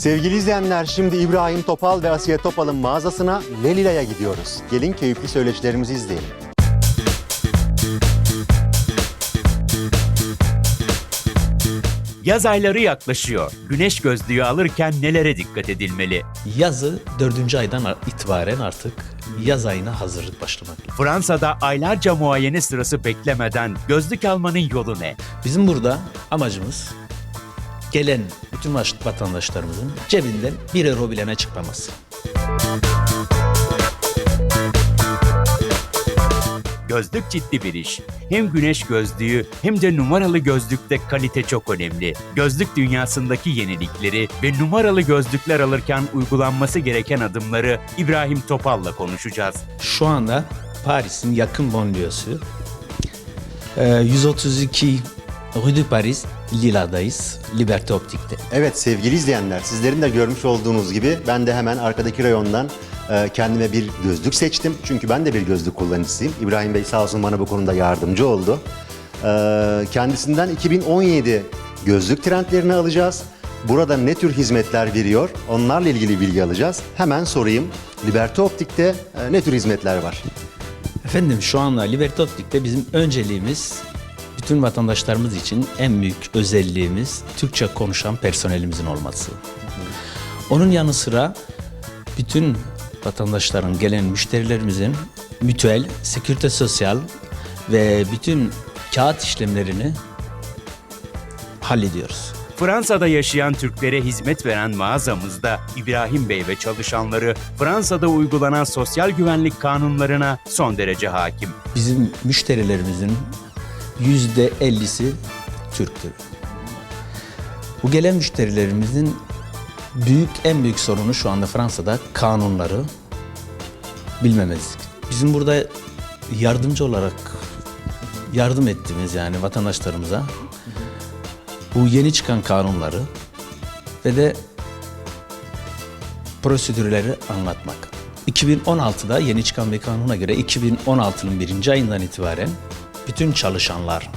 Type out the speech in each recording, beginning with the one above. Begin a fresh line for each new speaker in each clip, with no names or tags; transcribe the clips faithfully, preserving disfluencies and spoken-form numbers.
Sevgili izleyenler, şimdi İbrahim Topal ve Asiye Topal'ın mağazasına Lelila'ya gidiyoruz. Gelin keyifli söyleşilerimizi izleyelim.
Yaz ayları yaklaşıyor. Güneş gözlüğü alırken nelere dikkat edilmeli?
Yazı dördüncü aydan itibaren artık yaz ayına hazırlık başlamak.
Fransa'da aylarca muayene sırası beklemeden gözlük almanın yolu ne?
Bizim burada amacımız gelen bütün vatandaşlarımızın cebinden bir euro bilene çıkmaması.
Gözlük ciddi bir iş. Hem güneş gözlüğü hem de numaralı gözlükte kalite çok önemli. Gözlük dünyasındaki yenilikleri ve numaralı gözlükler alırken uygulanması gereken adımları İbrahim Topal'la konuşacağız.
Şu anda Paris'in yakın banliyosu yüz otuz iki Rue de Paris, Lila'dayız, Liberté Optik'te.
Evet sevgili izleyenler, sizlerin de görmüş olduğunuz gibi ben de hemen arkadaki reyondan e, kendime bir gözlük seçtim. Çünkü ben de bir gözlük kullanıcısıyım. İbrahim Bey sağ olsun bana bu konuda yardımcı oldu. E, kendisinden iki bin on yedi gözlük trendlerini alacağız. Burada ne tür hizmetler veriyor? Onlarla ilgili bilgi alacağız. Hemen sorayım. Liberté Optik'te e, ne tür hizmetler var?
Efendim şu anda Liberté Optik'te bizim önceliğimiz bütün vatandaşlarımız için en büyük özelliğimiz Türkçe konuşan personelimizin olması. Onun yanı sıra bütün vatandaşların, gelen müşterilerimizin mütüel, sekürite sosyal ve bütün kağıt işlemlerini hallediyoruz.
Fransa'da yaşayan Türklere hizmet veren mağazamızda İbrahim Bey ve çalışanları Fransa'da uygulanan sosyal güvenlik kanunlarına son derece hakim.
Bizim müşterilerimizin yüzde ellisi Türktür. Bu gelen müşterilerimizin büyük en büyük sorunu şu anda Fransa'da kanunları bilmemezlik. Bizim burada yardımcı olarak yardım ettiğimiz yani vatandaşlarımıza bu yeni çıkan kanunları ve de prosedürleri anlatmak. iki bin on altıda yeni çıkan bir kanuna göre iki bin on altının birinci ayından itibaren bütün çalışanlar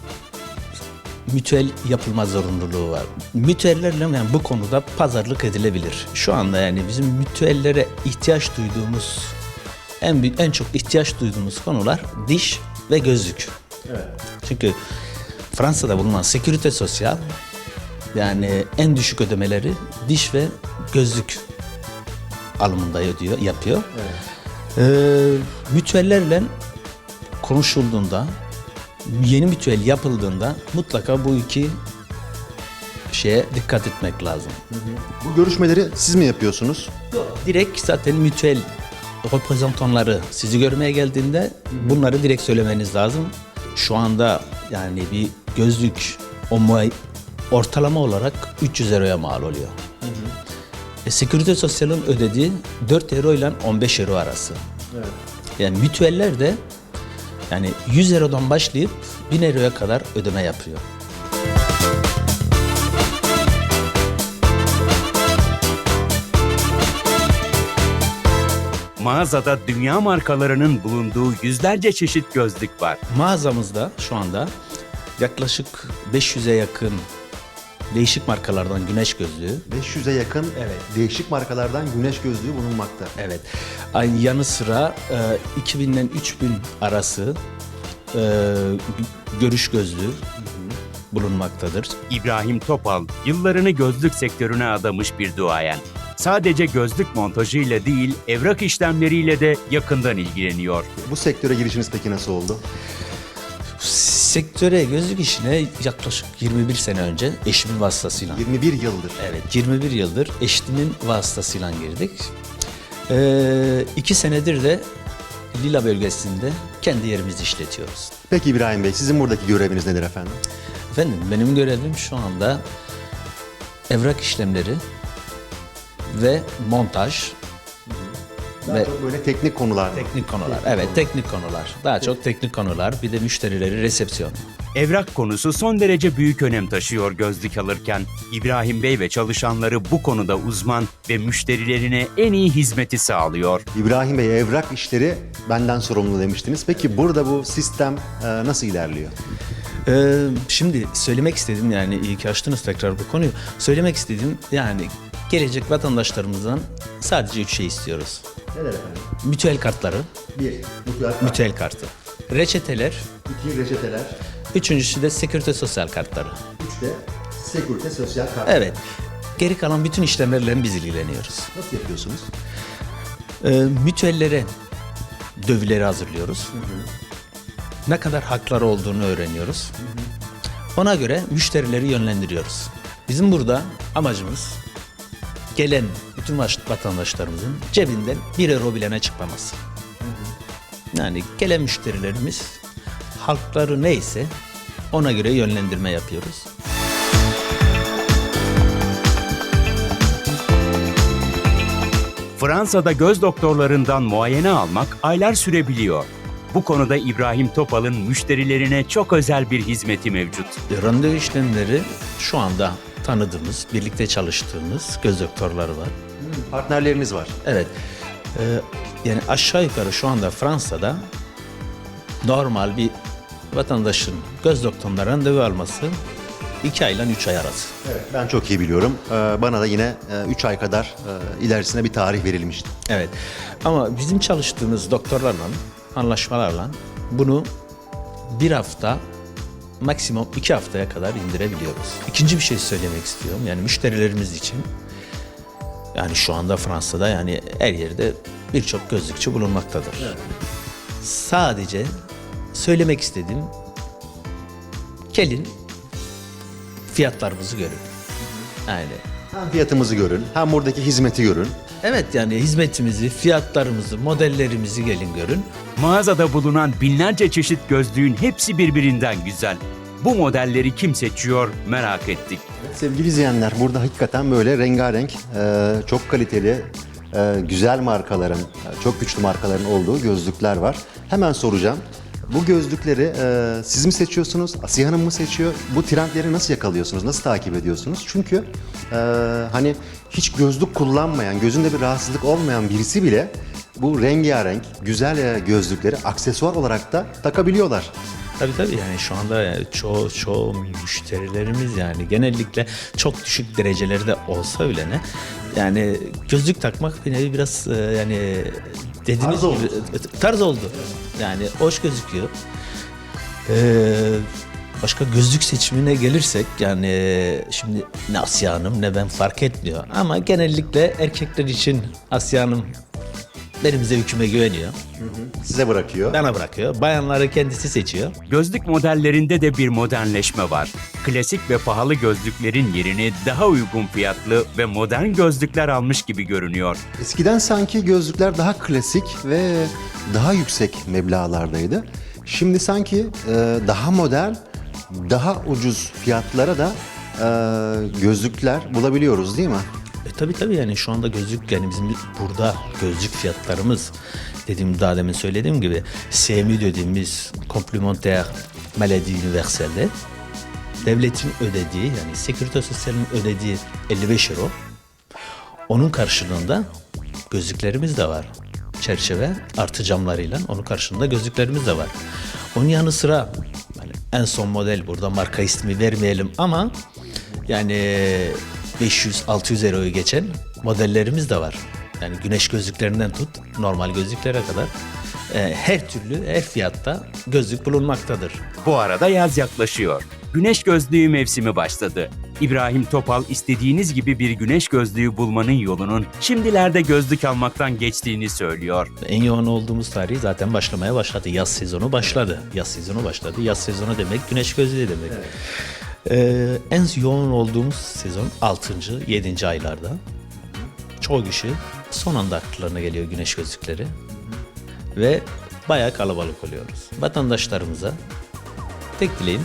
mütüel yapılma zorunluluğu var. Mütüellerle yani bu konuda pazarlık edilebilir. Şu anda yani bizim mütüellere ihtiyaç duyduğumuz en büyük, en çok ihtiyaç duyduğumuz konular diş ve gözlük.
Evet.
Çünkü Fransa'da bulunan sekürite sosyal yani en düşük ödemeleri diş ve gözlük alımında ödüyor, yapıyor.
Evet.
Ee, mütüellerle konuşulduğunda, yeni mütüel yapıldığında mutlaka bu iki şeye dikkat etmek lazım.
Bu görüşmeleri siz mi yapıyorsunuz?
Direkt zaten mütüel reprezentanları sizi görmeye geldiğinde bunları direkt söylemeniz lazım. Şu anda yani bir gözlük o muay- ortalama olarak üç yüz euroya mal oluyor. Hı hı. E, Sekürite Sosyal'ın ödediği dört euro ile on beş euro arası.
Evet.
Yani mütüeller de yani yüz eurodan başlayıp bin euroya kadar ödeme yapıyor.
Mağazada dünya markalarının bulunduğu yüzlerce çeşit gözlük var.
Mağazamızda şu anda yaklaşık beş yüze yakın değişik markalardan güneş gözlüğü.
beş yüze yakın
Evet.
değişik markalardan güneş gözlüğü bulunmakta.
Evet. Aynı yanı sıra e, iki binden üç bin arası e, görüş gözlüğü bulunmaktadır.
İbrahim Topal yıllarını gözlük sektörüne adamış bir duayen. Sadece gözlük montajıyla değil, evrak işlemleriyle de yakından ilgileniyor.
Bu sektöre girişiniz peki nasıl oldu?
Sektöre, gözlük işine yaklaşık yirmi bir sene önce eşimin vasıtasıyla.
yirmi bir yıldır.
Evet, yirmi bir yıldır eşimin vasıtasıyla girdik. Ee, iki senedir de Lila bölgesinde kendi yerimizi işletiyoruz.
Peki İbrahim Bey, sizin buradaki göreviniz nedir efendim?
Efendim, benim görevim şu anda evrak işlemleri ve montaj.
Daha
Ve
çok böyle teknik konular mı?
teknik konular. Evet, teknik konular. Daha çok teknik konular. Bir de müşterileri resepsiyon.
Evrak konusu son derece büyük önem taşıyor gözlük alırken. İbrahim Bey ve çalışanları bu konuda uzman ve müşterilerine en iyi hizmeti sağlıyor.
İbrahim Bey, evrak işleri benden sorumlu demiştiniz. Peki burada bu sistem e, nasıl ilerliyor?
Ee, şimdi söylemek istedim yani iyi ki açtınız tekrar bu konuyu. Söylemek istediğim yani gelecek vatandaşlarımızdan sadece üç şey istiyoruz.
Neler efendim?
Mütüel kartları,
Bir, mutlaka.
mütüel kartı, reçeteler,
İki, reçeteler.
üçüncüsü de sekürite sosyal kartları.
Üç de Sekürite Sosyal Kart.
Evet, geri kalan bütün işlemlerle biz ilgileniyoruz.
Nasıl yapıyorsunuz?
Ee, mütüellere dövüleri hazırlıyoruz. Ne kadar hakları olduğunu öğreniyoruz. Ona göre müşterileri yönlendiriyoruz. Bizim burada amacımız gelen bütün vatandaşlarımızın cebinden bir euro bilene çıkmaması. Yani gelen müşterilerimiz halkları neyse ona göre yönlendirme yapıyoruz.
Fransa'da göz doktorlarından muayene almak aylar sürebiliyor. Bu konuda İbrahim Topal'ın müşterilerine çok özel bir hizmeti mevcut.
Randevu işlemleri şu anda tanıdığımız, birlikte çalıştığımız göz doktorları var.
Partnerleriniz var.
Evet. Ee, yani aşağı yukarı şu anda Fransa'da normal bir vatandaşın göz doktoruna randevu alması iki ayla üç ay arası.
Evet, ben çok iyi biliyorum. Ee, bana da yine üç ay kadar e, ilerisine bir tarih verilmişti.
Evet. Ama bizim çalıştığımız doktorlarla, anlaşmalarla bunu bir hafta, maksimum iki haftaya kadar indirebiliyoruz. İkinci bir şey söylemek istiyorum. Yani müşterilerimiz için, yani şu anda Fransa'da yani her yerde birçok gözlükçü bulunmaktadır.
Evet.
Sadece söylemek istediğim, gelin fiyatlarımızı görün. Yani
Hem fiyatımızı görün, hem buradaki hizmeti görün.
evet, yani hizmetimizi, fiyatlarımızı, modellerimizi gelin görün.
Mağazada bulunan binlerce çeşit gözlüğün hepsi birbirinden güzel. Bu modelleri kim seçiyor merak ettik.
Sevgili izleyenler, burada hakikaten böyle rengarenk, e, çok kaliteli, e, güzel markaların, e, çok güçlü markaların olduğu gözlükler var. Hemen soracağım. Bu gözlükleri e, siz mi seçiyorsunuz, Asiye Hanım mı seçiyor? Bu trendleri nasıl yakalıyorsunuz, nasıl takip ediyorsunuz? Çünkü e, hani hiç gözlük kullanmayan, gözünde bir rahatsızlık olmayan birisi bile bu rengarenk, güzel e, gözlükleri aksesuar olarak da takabiliyorlar.
Tabii tabii, yani şu anda yani çoğu çoğu müşterilerimiz yani genellikle çok düşük derecelerde olsa bile ne yani gözlük takmak bir nevi biraz e, yani dediğiniz
Tarz oldu.
gibi e, tarz oldu. Yani hoş gözüküyor. Ee, başka gözlük seçimine gelirsek yani şimdi ne Asya Hanım ne ben fark etmiyor ama genellikle erkekler için Asya Hanım benim zevkime güveniyor.
Size bırakıyor.
Bana bırakıyor. Bayanları kendisi seçiyor.
Gözlük modellerinde de bir modernleşme var. Klasik ve pahalı gözlüklerin yerini daha uygun fiyatlı ve modern gözlükler almış gibi görünüyor.
Eskiden sanki gözlükler daha klasik ve daha yüksek meblağlardaydı. Şimdi sanki e, daha modern, daha ucuz fiyatlara da e, gözlükler bulabiliyoruz değil mi?
E tabii tabii, yani şu anda gözlük, yani bizim burada gözlük fiyatlarımız dediğim daha demin söylediğim gibi C M U dediğimiz Complémentaire Maladie Universelle devletin ödediği, yani Sekürite Sosyal'in ödediği elli beş euro, onun karşılığında gözlüklerimiz de var. Çerçeve artı camlarıyla onun karşılığında gözlüklerimiz de var. Onun yanı sıra yani en son model, burada marka ismi vermeyelim ama yani beş yüz altı yüz euroyu geçen modellerimiz de var. Yani güneş gözlüklerinden tut normal gözlüklere kadar e, her türlü her fiyatta gözlük bulunmaktadır.
Bu arada yaz yaklaşıyor. Güneş gözlüğü mevsimi başladı. İbrahim Topal istediğiniz gibi bir güneş gözlüğü bulmanın yolunun şimdilerde gözlük almaktan geçtiğini söylüyor.
En yoğun olduğumuz tarihi zaten başlamaya başladı. Yaz sezonu başladı. Yaz sezonu başladı. Yaz sezonu demek güneş gözlüğü demek.
Evet.
Ee, en yoğun olduğumuz sezon altıncı yedinci aylarda. Çoğu kişi son anda akıllarına geliyor güneş gözlükleri. Ve bayağı kalabalık oluyoruz. Vatandaşlarımıza tek dileğim,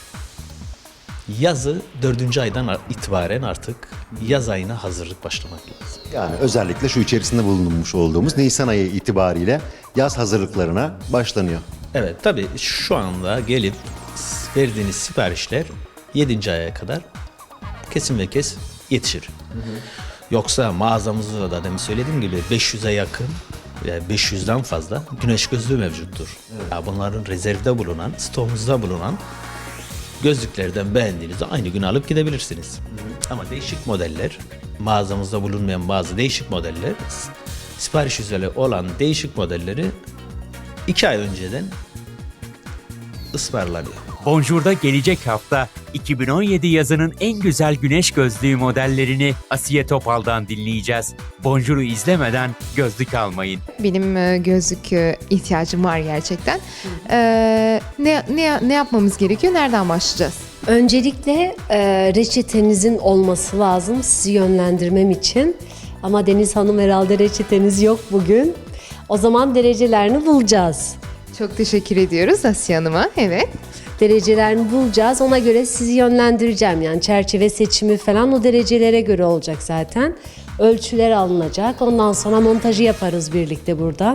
yazı dördüncü aydan itibaren artık yaz ayına hazırlık başlamak lazım.
Yani özellikle şu içerisinde bulunmuş olduğumuz Nisan ayı itibariyle yaz hazırlıklarına başlanıyor.
Evet, tabii şu anda gelip verdiğiniz siparişler yedinci aya kadar kesin ve kes yetişir. Hı hı. Yoksa mağazamızda da demin söylediğim gibi beş yüze yakın, yani beş yüzden fazla güneş gözlüğü mevcuttur. Evet. Ya bunların rezervde bulunan, stoğumuzda bulunan gözlüklerden beğendiğinizde aynı gün alıp gidebilirsiniz. Hı hı. Ama değişik modeller mağazamızda bulunmayan bazı değişik modeller, sipariş üzere olan değişik modelleri iki ay önceden ısmarlanıyor.
Bonjour'da gelecek hafta iki bin on yedi yazının en güzel güneş gözlüğü modellerini Asiye Topal'dan dinleyeceğiz. Bonjour'u izlemeden gözlük almayın.
Benim e, gözlük e, ihtiyacım var gerçekten. Ee, ne, ne, ne yapmamız gerekiyor? Nereden başlayacağız?
Öncelikle e, reçetenizin olması lazım sizi yönlendirmem için. Ama Deniz Hanım herhalde reçeteniz yok bugün. O zaman derecelerini bulacağız.
Çok teşekkür ediyoruz Asiye Hanım'a. Evet.
Derecelerini bulacağız. Ona göre sizi yönlendireceğim. Yani çerçeve seçimi falan o derecelere göre olacak zaten. Ölçüler alınacak. Ondan sonra montajı yaparız birlikte burada.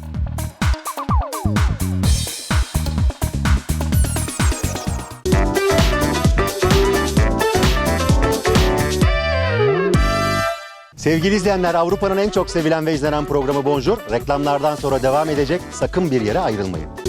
Sevgili izleyenler, Avrupa'nın en çok sevilen ve izlenen programı Bonjour reklamlardan sonra devam edecek. Sakın bir yere ayrılmayın.